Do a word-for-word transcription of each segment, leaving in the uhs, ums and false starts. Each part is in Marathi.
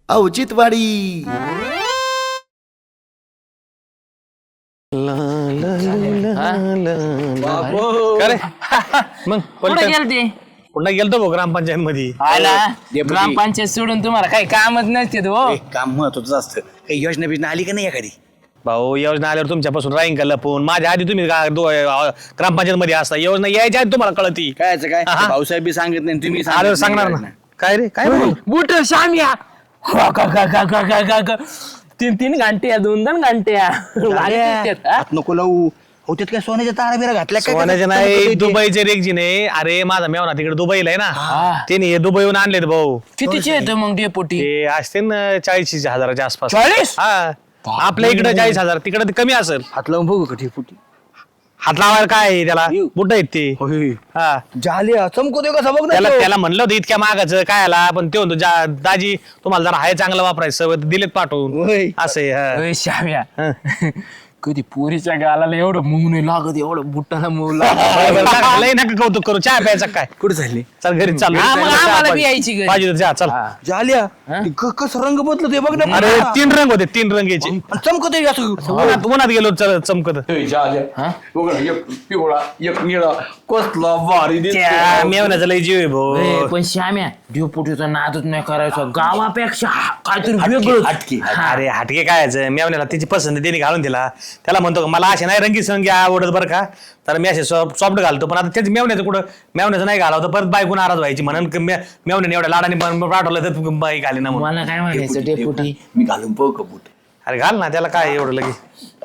औचित्यवाडी. मग कुठे गेलते पुन्हा गेलतो भाऊ ग्रामपंचायत मध्ये. ग्रामपंचायत सोडून तुम्हाला काही कामच नसते हो. काम महत्वाचं असतं. काही योजना बिजना आली का नाही एखादी? भाऊ योजना आल्यावर तुमच्यापासून राहीन का लपून? माझ्या आधी तुम्ही ग्रामपंचायत मध्ये असता, योजना यायच्या आधी तुम्हाला कळती. काय काय हा. भाऊसाहेब बी सांगत नाही तुम्ही आल्यावर सांगणार ना. काय रे काय बोलू? बुट शामिया तीन तीन घंटे दोन दोन घंटे हात नको लावू. हो त्यात काय सोन्याच्या तारा बिरा घातल्या काय? सोन्याचे नाही, दुबईचे रेगजी नाही. अरे माझा मेवना तिकडे दुबईला आहे ना, त्याने हे दुबईहून आणलेत भाऊ. कितीचे येतं मग डेपोटी? ते असते ना चाळीस हजाराच्या आसपास. चाळीस? हा, आपल्या इकडे चाळीस हजार, तिकडे कमी असेल. हात लावून बघू का ठेपुटी? हात लावायला काय आहे त्याला? बुट आहेत ते. हा, झाले चमको दे कसा बघ त्याला ना. त्याला म्हणलं होतं इतक्या मागाचं काय आला, पण ते म्हणतो जा- दाजी तुम्हाला जरा हाय चांगलं वापरायचं सवय, दिलेत पाठवून. होय. असे अरे श्याम्या कधी पोरीच्या गालाला एवढं मूग नाही लागत, एवढं बुटाला मूग लागत. लय नका कौतुक करू. चहा प्यायचा काय? कुठे झाले? चल घरी चालू. हा, मग आम्हाला बी यायची घरी. पाहिजे तर जा चल. झाल्या कसं रंग बदलत ते बघ ना. अरे तीन रंग होते, तीन रंग याचे. चमकत असं. उन्हात उन्हात गेलो चल चमकत. पिवळा एक निळा कसला भारी त्या मेवण्याचा लय जीव आहे भाऊ. ए, पण श्याम्या डेपोटीचा नादच नाही करायचा गावापेक्षा काहीतरी वेगळं. हटके. अरे हटके काय यायचं? मेवण्याला तिची पसंत त्याने घालून दिला. त्याला म्हणतो का मला असे नाही रंगी संगी आवडत बरं का, तर मी असे सॉफ्ट घालतो. पण आता त्याच मेवण्याचं कुठं मेवण्याचं नाही घालावं, परत बायको नाराज व्हायची म्हणून मेवण्याने एवढ्या लाडाने पाठवलं तर बाई घाली ना म्हणून. मला काय म्हणायचं डेपोटी? मी घालून पाहू का बूट? अरे घाल ना, त्याला काय एवढं लगे.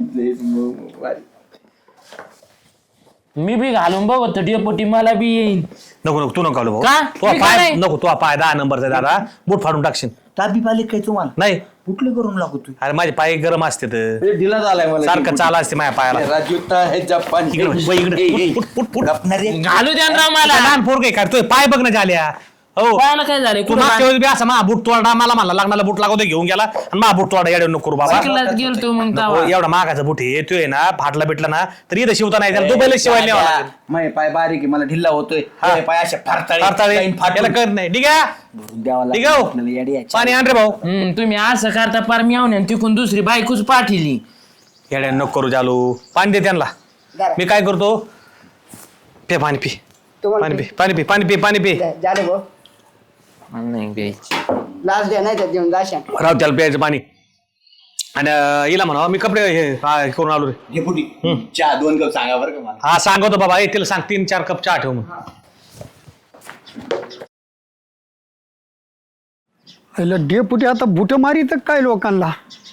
मी बी घालून बघतो डेपोटी, मला बी येईन. नको नको तू नको घालू का? भाऊ. तो मी का पाय नाही? नको, तो पाय दहा नंबरचा दादा बूट फाडून टाकशील. ताबी पाले काय तुम्हाला? नाही कुठले करून लागू तू? अरे माझे पाय गरम असते तर ढिला झालाय मला. सारखं चाला असते माझ्या पायाला. राजूता हे जपान इकडे बघ, इकडे. फुट, फुट, फुट. घालू द्या ना मला. लहान पोरग आहे काय? तुझे पाय बघ ना झाल्या. हो पायाला काय झाले? तू मागच्या वेळेस बी असं मा बूट तोडा मला म्हणला लग्नाला बूट लागवतो घेऊन गेला आणि मा बूट तोडा येडे नको करू बाबा. चिखलात गेलतो मग नको, तेव्हा. एवढा मागाचा बूट आहे येतोय ना, फाटला बिटला ना तर इथं शिवता नाही त्याला दुबईला शिवायला न्यावं लागेल. माझे पाय बारीक आहे, मला ढिल्ला होतोय. हा. माझे पाय असे फारताळे फाटताळे काही फाटून याला कळत नाही. ठीक आहे भरून द्यावं ठीक लागेल आहे आपल्याला येडी याची. पाणी आण रे भाऊ. हम्म, तुम्ही असं करता पार मिळवणे तिकून दुसरी बायकोच पाठिली. येड्या नको करू चालू. पाणी दे त्यांना. मी काय करतो, पे पाणी पी पाणी पी पाणी पी पाणी पी पाणी पी झालं भाऊ. नाही द्यायची. लास्ट द्या नाही तर देऊन जाशान. राहू त्याला प्यायचं पाणी. आणि अं, हिला म्हणा मी कपडे हे हा, करून आलो रे. डेपुटी चहा दोन कप सांगा बरं का मला. हा सांगतो बाबा, तिला सांग तीन चार कप चहा ठेव मग. डेपुटी आता बुट मारी तर काय लोकांना.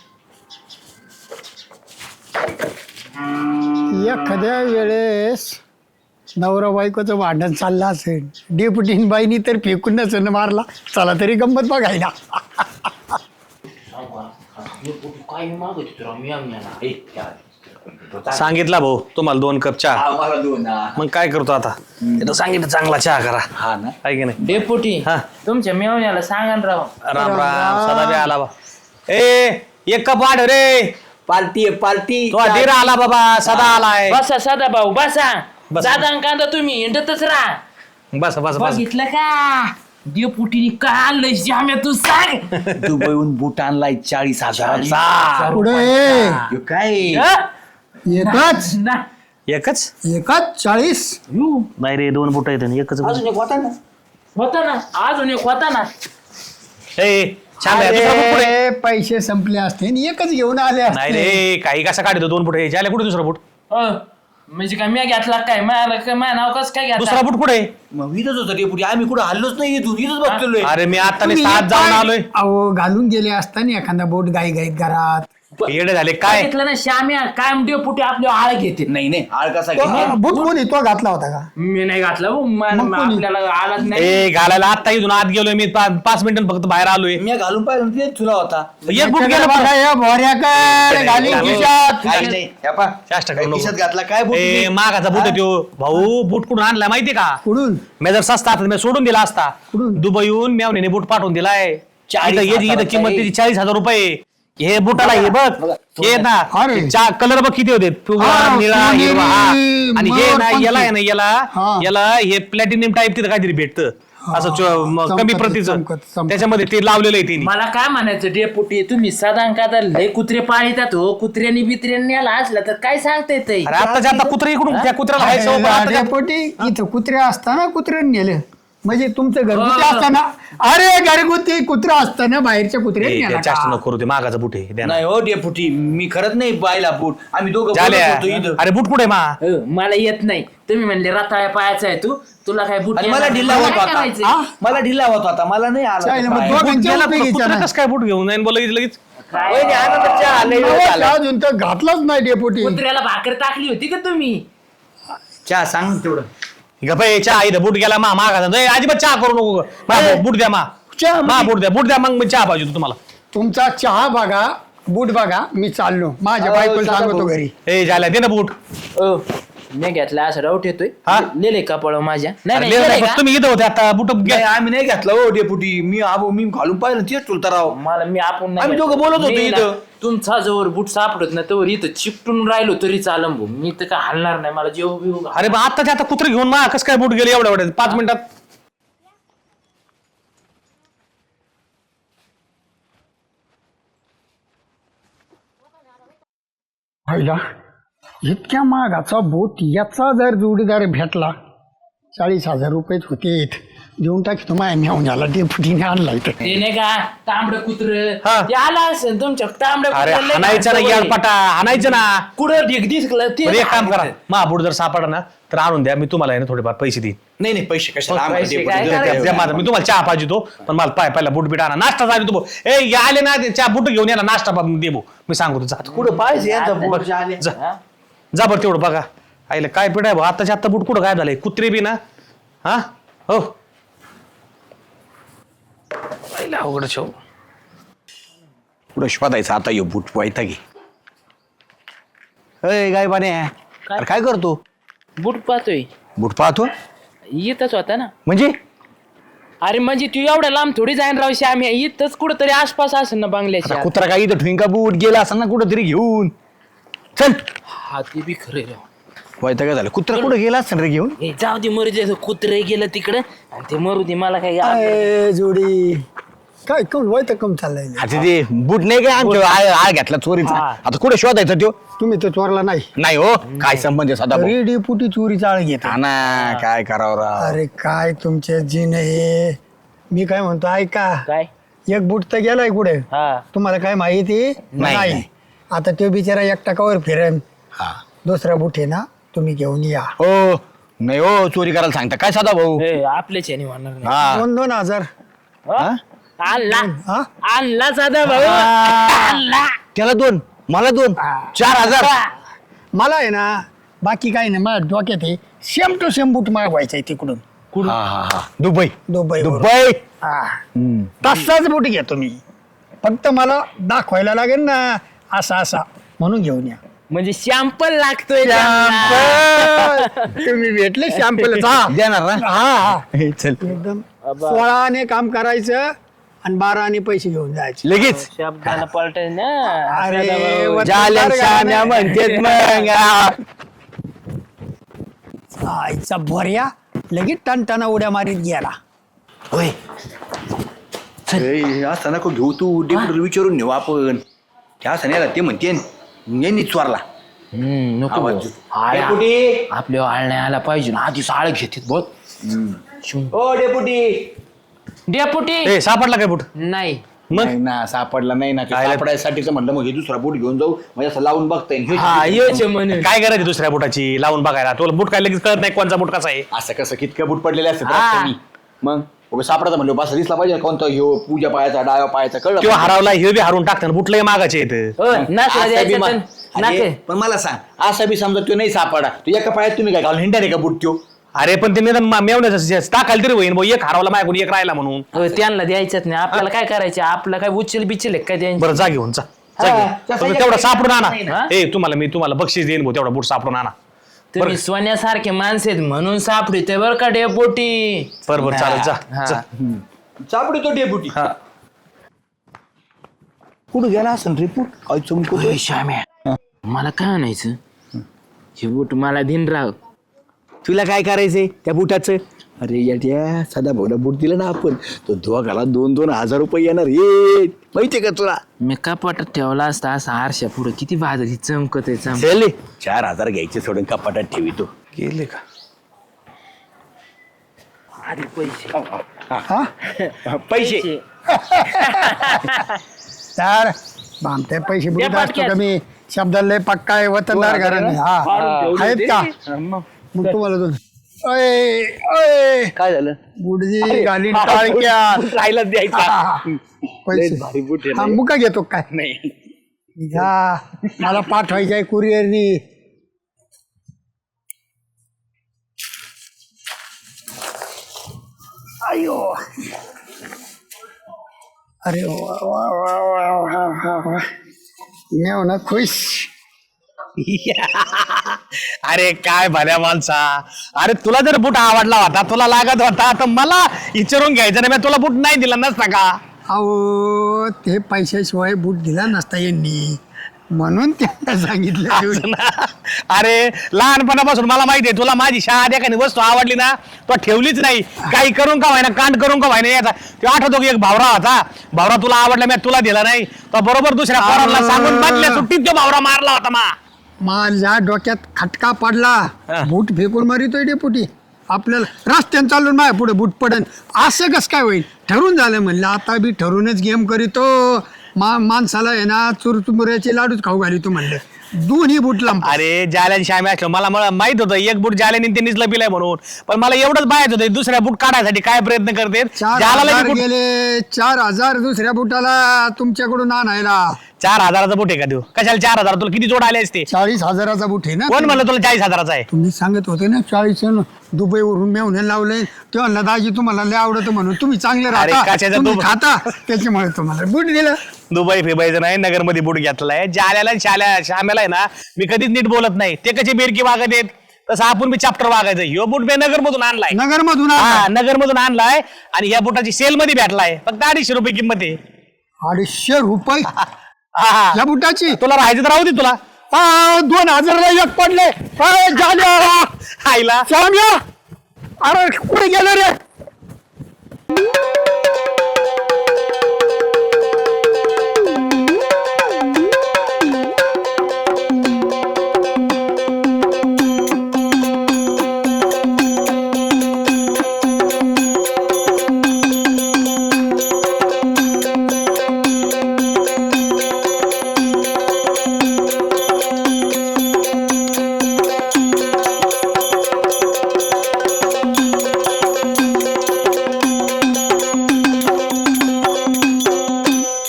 एखाद्या वेळेस नवरा बायकोचं भांडण चाललं असेल, डेपुटीन बाईनी तर फेकून नसेल मारला, चला तरी गंमत बघायला. सांगितला भाऊ तुम्हाला दोन कप चहा. हा, मला दोन हा. मग काय करतो आता, तिथं सांगितलं चांगला चहा करा. हा ना. आहे की नाही. डेपुटी हा. तुमच्या मेवण्याला सांगा ना राव. राम राम सदा बी आला बा. ए एक कप वाढ रे. पार्टी आहे पार्टी. तो धीर आला बाबा, सदा आलाय. बसा सदा भाऊ बसा. बस. दादा कांदा तुम्ही हिंडतच राहा. बस बस बस. बघितलं का डेपुटीने काय आणलंय श्याम्या तू सांग. दुबईहून बूट आणलाय चाळीस हजार. पुढे काय हा? एकच ना. एकच एकच चाळीस. नाही रे, दोन बुट आहेत आणि एकच बुट. अजून एक होता ना. होता ना अजून एक होता ना. ए छान आहे, दुसरा बुट कुठे? अरे, पैसे संपले असते आणि एकच घेऊन आले नाही असते. रे, काही कसा काढतो दोन बुट यायचे कुठे दुसरा बुट? अ, म्हणजे काय मी घेतला काय मला काय माझं नाव कसं काय दुसरा घेतला? बुट कुठे? मग इथंच होतं डेपुटी. आम्ही कुठं हल्लोच नाही इथून. इथंच बघतोय. अरे मी आता तुम्ही सात जाऊन पाय- आलोय. अहो घालून गेले असताना एखादा बोट गाई गाईत घरात. येडे झाले काय? बघितलं ना श्याम्या काय डेपुटी आपल्या आळ घेते. नाही नाही आळ कसा तो, घेतला? अं, बूट कोणी तो घातला होता का? मी नाही घातला हो, मान- मग कोणी? आपल्याला आलाच नाही. ए घालायला आता इथून आत गेलोय मी, पा- पाच मिनिटं फक्त बाहेर आलोय. मी घालून पाहिलं ना, तेच तुला होता. एक बुट गेला बघा बघा. या भोऱ्याकडे घाली घालून. खिशात. काही नाही. हे पहा. चाष्टा करू नको. खिशात घातला काय बूट? ए मागाचा बूट आहे त्यो. भाऊ बूट कुठून आणलाय माहितीये का? कुठून? मी जर सस्ता असता मी सोडून दिला असता. कुठून? दुबईहून मेवणीने बूट पाठवून दिलाय. चाळीस इथं- इथं- इथं हजाराचा किंमत आहे. त्याची चाळीस हजार रुपये. हे बुटाला हे बघ बघा, हे ना अरे. कलर बघ किती होते पिवळा, हा, निळा, सोनेरी, हिरवा, हा. आणि हे मग ना पण याला आहे ते- ना याला हा. याला हे प्लॅटिनियम टाईप तिथं काहीतरी भेटतं. असं चो- म- कमी चमकत- प्रतीचं चमकत- चमकत. त्याच्यामध्ये ते लावलेलं आहे तिने मला काय म्हणायचं डेपुटी तुम्ही सदा का लय कुत्रे पाळीतात हो कुत्र्यांनी बित्र्यांनी आला असला तर काय सांगता येतंय अरे आताच्या आता कुत्रे इकडून त्या कुत्र्याला हायचं, पण आताच्या- डेपोटी इथं कुत्रे असताना कुत्र्याने नेलं म्हणजे तुमचं घरगुती असताना अरे घरगुती कुत्रा असताना बाहेरच्या ए, कुत्र्याने ते नेलं जास्त का? नको करू ते मागाचा बुट आहे द्या ना. नाही हो डेपुटी मी खरंच नाही पाहिला बूट आम्ही दोघं बोलत झाल्या. होतो इथं. अरे बुट कुठे मा हो, मला येत नाही तुम्ही म्हणले रताळ्या पायाचा आहे तू तुला काय बुट आणि येणार मला नाही. ढिल्ला मला होत काय होता करायचंय? हा? मला ढिल्ला होत होता मला नाही आला चालेल, मग पाय. दोघं- बुट गेला उपयोगीचा कुत्रा नाही. कसं काय बुट घेऊन जाईन बोला लगेच काय? वहिनी, आनंदाच्या आलंय वेळ नवस झाला. अजून तर घातलाच नाही डेपोटी कुत्र्याला भाकर टाकली होती का तुम्ही चहा सांग तेवढं गप्पा चहा इथं बुट गेला मा मागाचा ए, अजिबात चहा करू नको मा, बुट द्या मा चहा मा बुट द्या बुट द्या मग मी चहा पाहिजे होता तुम्हाला तुमचा चहा बघा बूट बघा मी चाललो माझ्या अहो, बायकोला चला सांगतो भाऊ. घरी ए झाल्या दे ना बुट ओ मी घेतला असं डाऊट येतोय हा? लिहिले कपाळ माझ्या नाही अरे, नाही ले- लिहिलंय ले- का? तुम्ही इथं होते आता बुट नाही, आम्ही नाही घेतला हो डेपुटी मी आबो मी घालून पाहिलं तेच चुलता राव मला मी आपण नाही आम्ही घेतलं. दोघं बोलत होतो मी ना, इथं. तुमचा जवळ बूट सापडत ना तोवर इथं चिपटून राहिलो तरी चालम भाऊ मी तर काय हलणार नाही मला जेव बिव अरे बा आत्ताच्या आता कुत्रे घेऊन मा कसं काय बुट गेले एवढ्या एवढ्या पाच मिनिटात पहिला इतक्या महागाचा बोट याचा जर जोडीदार भेटला चाळीस हजार रुपयेच होते देऊन टाकी तुम्हाला मेहून झाला डेपुटीने आणला इथं ते नाही का तांबड कुत्र हा. ते आला असेल तुमच्या तांबड अरे हाणायचं ना यार पटा हाणायचं ना कुठं ढिग दिसलं ते बरं, एक काम करा मा बुट जर सापडा ना तर आणून द्या मी तुम्हाला आहे ना थोडेफार पैसे देईन नाही नाही पैसे कशाला आम्हाला पैसे डेपुटी काय द्या, करायचं? द्या, द्या माझा मी तुम्हाला चहा पाहिजे तो पण मला पाय पहिला बुट बीट आणा नाश्ता झाली तू ए या आले ना ते चहा बुट घेऊन या ना नाश्ता बा- दे भाऊ. मी सांगू तुझा कुठं पाहिजे यांचा बूट झाले. जा जा बरं तेवढं बघा आईला काय पिढ आहे भाऊ आताच्या आता बुट कुठं काय झालंय कुत्रे बी ना हा हो आईला अवघड शो पुढं शोधायचं आता यो बूट वायता घे अय गाय पाणी अरे काय करतो बूट पाहतोय बूट पाहतो इथंच होता ना म्हणजे अरे म्हणजे तू एवढ्या लांब थोडी जाईन रावशी आम्ही इथंच कुठं तरी आसपास असेल ना आता बांगल्याच्या कुत्रा काय इथं ठुईंका बूट गेला असं ना कुठं तरी घेऊन चल हा ते बी खरं राव वायता काय झालं कुत्रा कुठं गेला असं रे घेऊन ए, जाऊ दे मरू दे कुत्रे गेलं तिकडं आणि ते मरू दे मला काय अय, जोडी काय कम वय तर कम चाललंय आता ते बूट नाही काय आमच्या आळ आळ घेतला चोरीचा हा. आता कुठे शोधायचा त्यो तुम्ही तर चोरला नाही नाही हो काय संबंध आहे सदा भाऊ? तरी डेपुटी चोरी चाळ घेत हा ना काय करावं राव अरे काय तुमचे जीन हे मी काय म्हणतो ऐका काय एक बूट तर गेलाय कुठे हा तुम्हाला काय माहिती नाही, नाही नाही. आता तो बिचारा एक टाकावर फिरेन हा दुसरा बूट आहे ना तुम्ही घेऊन या हो नाही हो चोरी करायला सांगता काय सदा भाऊ ए, आपल्याच याने म्हणणार नाही हा दोन दोन हजार हा? आणला हा आणला साधा भाऊ आणला त्याला दोन मला दोन चार हजार मला आहे ना बाकी काही नाही माझ्या डोक्यात आहे सेम टू सेम बूट मागवायचा आहे तिकडून हा हा हा दुबई दुबई दुबई हा तसाच बूट घ्या तुम्ही फक्त मला दाखवायला लागेल ना असा असा म्हणून घेऊन या म्हणजे शॅम्पल लागतोय त्यांना. शॅम्पल तुम्ही भेटले शॅम्पल देणार ना हा हा हे, चल एकदम सोळाने काम करायचं आणि बाराने पैसे घेऊन जायचे लगेच शब्दाला पलटाय ना अरे, साधा भाऊ. व- जाल्या शान्या म्हणतेत मग हा. आईचा भर्या लगेच टनटना उड्या मारीत गेला होय ए, असं नको घेऊ तू डेपुटीला विचारून नेऊ आपण त्या असं नाही ते म्हणते यांनी चोरला हम्म, नको आवाज भाऊ. येतो. आळ्या- डेपुटी आपल्या आळण्या आला पाहिजे ना आधीच आळ घेतात बघ ओ डेपुटी डेपुटी ए सापडला काय बुट नाही मग नाही ना सापडला नाही ना काय? सापडायसाठीच म्हणलं मग हे दुसरा बूट घेऊन जाऊ म्हणजे असं लावून बघता येईल हा योच म्हणून काय करायचं दुसऱ्या बुटाची लावून बघायला तुला बुट काय लगेच कळत नाही कोणचा बुट कसा आहे असं कसं कितकं बूट पडलेले असतात हा. रस्त्यानी. मग उगा सापडायचं म्हणलं बस दिसला पाहिजे कोणता ह्यो पूजा पायाचा डाव्या पायाचा कळलं किंवा पाहिजे. हरवला हे बी हरून टाकतात बुटलंही मागाचे येत हो, नाचला असं बी द्यायचं मा- तर अरे, नाक. पण मला सांग असं बी समजा तो नाही सापडा तू एका पायात तुम्ही काय घालून हिंडा रे का बूट त्यो अरे पण ते निदान मा- मेवण्याचं टाकायला तरी होईन भाऊ एक हरवला माझ्याकडून एक राहिला म्हणून हो, त्यांना द्यायचंच नाही आपल्याला काय करायचं आपलं काय उचल बिचल काय द्यायचं बरं जा घेऊन जा जा हा, घेऊन. तसं पण एक तेवढा काही सापडून नाही आणा ना. ए तुम्हाला मी तुम्हाला बक्षीस देईन भाऊ तेवढा बूट सापडून आणा तुम्ही सोन्यासारखे माणसे आहेत म्हणून सापडते बरं का डेपोटी बरं बरं चालेल जा हा. जा. सापडी तो डेपुटी हा. कुठं गेला असं रिपोर्ट काय चमकतो ओय, श्याम्या मला काय आणायचं हे बूट मला दिन राव तुला काय करायचंय त्या बुटाचं अरे येड्या साधा भाऊला बूट दिला ना आपण तो दोघाला दोन दोन हजार रुपये येणार ये माहितीये का तुला? मी कपाटात ठेवला असता असा आरशा पुढे किती भाजली चमकत आहे चमक. चल चार हजार घ्यायचे सोडून कपाटात ठेवितो. गेले का अरे पैसे पैसे तर भामते पैसे बुडत असतो का मी शब्दाला लय पक्का आहे वतनदार घराणे. हा आहेत का मग तुम्हाला दोन अय अय काय झालं? गुडजी घालीन टाळक्यात राहिला द्यायचा पैसे भारी बूट आहे हा ना. मुका घेतो काय नाही घ्या मला पाठवायचं आहे कुरिअरनी. अयो अरे वा वा वा वा वा वा वा मी ना खुश. अरे काय भल्या माणसा, अरे तुला जर बूट आवडला होता तुला लागत होता तर मला विचारून घ्यायचं नाही, मी तुला बूट नाही दिला नसता का? अहो ते पैशाशिवाय बूट दिला नसता यांनी म्हणून त्यांना सांगितलं. अरे लहानपणापासून मला माहिती आहे तुला माझी शाळा एखादी वस्तू आवडली ना तो ठेवलीच नाही, काही करून का व्हायना कांड करून का व्हायना याचा. तो आठवतो की एक भावरा होता, भावरा तुला आवडला मी तुला दिला नाही, तो बरोबर दुसऱ्या पोराला सांगून बदल्या सुट्टीत तो भावरा मारला होता मा. माझ्या डोक्यात खटका पडला, बूट फेकून मारितोय डेपुटी आपल्याला रस्त्यानं चालून माझ्या पुढे बूट पडेल असं कसं काय होईल. ठरून झालं म्हणलं आता बी ठरूनच गेम करीतो. मा माणसाला आहे ना चुरचुमुऱ्याचे लाडूच खाऊ घालितो म्हणलं दोन्ही बूट लांब. अरे जाल्याने श्यामी असलो मला मला माहित होतं एक बूट जाल्याने त्यांनीच लपिलाय म्हणून, पण मला एवढंच बाहेर होतं दुसऱ्या बूट काढायसाठी काय प्रयत्न करते. चार जालाला हजार बी बूट- गेले चार हजार दुसऱ्या बुटाला तुमच्याकडून आणायला. चार हजाराचा बूट आहे का देऊ? कशाला चार हजार? तुला किती जोड आले असते? चाळीस हजाराचा बूट आहे ना. कोण म्हणलं तुला चाळीस हजाराचा आहे? तुम्ही सांगत होते ना चाळीस दुबईवरून मेवणे लावले तेव्हा म्हणलं दाजी तुम्हाला लय आवडतं म्हणून तुम्ही चांगले अरे राहता कशाचं तुम्ही दुबई? खाता त्याच्यामुळे तुम्हाला बूट दिलं. दुबई फिबायचं नाही, नगर मध्ये बूट घेतलाय. जाल्याला आणि शाल्या श्यामेला आहे ना मी कधीच नीट बोलत नाही, ते कसे बेरकी वागत आहेत तसं आपण बी चॅप्टर वागायचं. ह्यो बूट मी नगर मधून आणलाय. नगर मधून हा नगर मधून आणलाय आणि या बुटाची सेल मध्ये भेटलाय, फक्त अडीचशे रुपये किंमत आहे. अडीचशे रुपये हा, हा. या बुटाची. तुला राहायचं तर राहू दे तुला. आ, दोन हजारला एक पडले. काय झालं आईला श्याम्या अरे कुठे गेलं रे.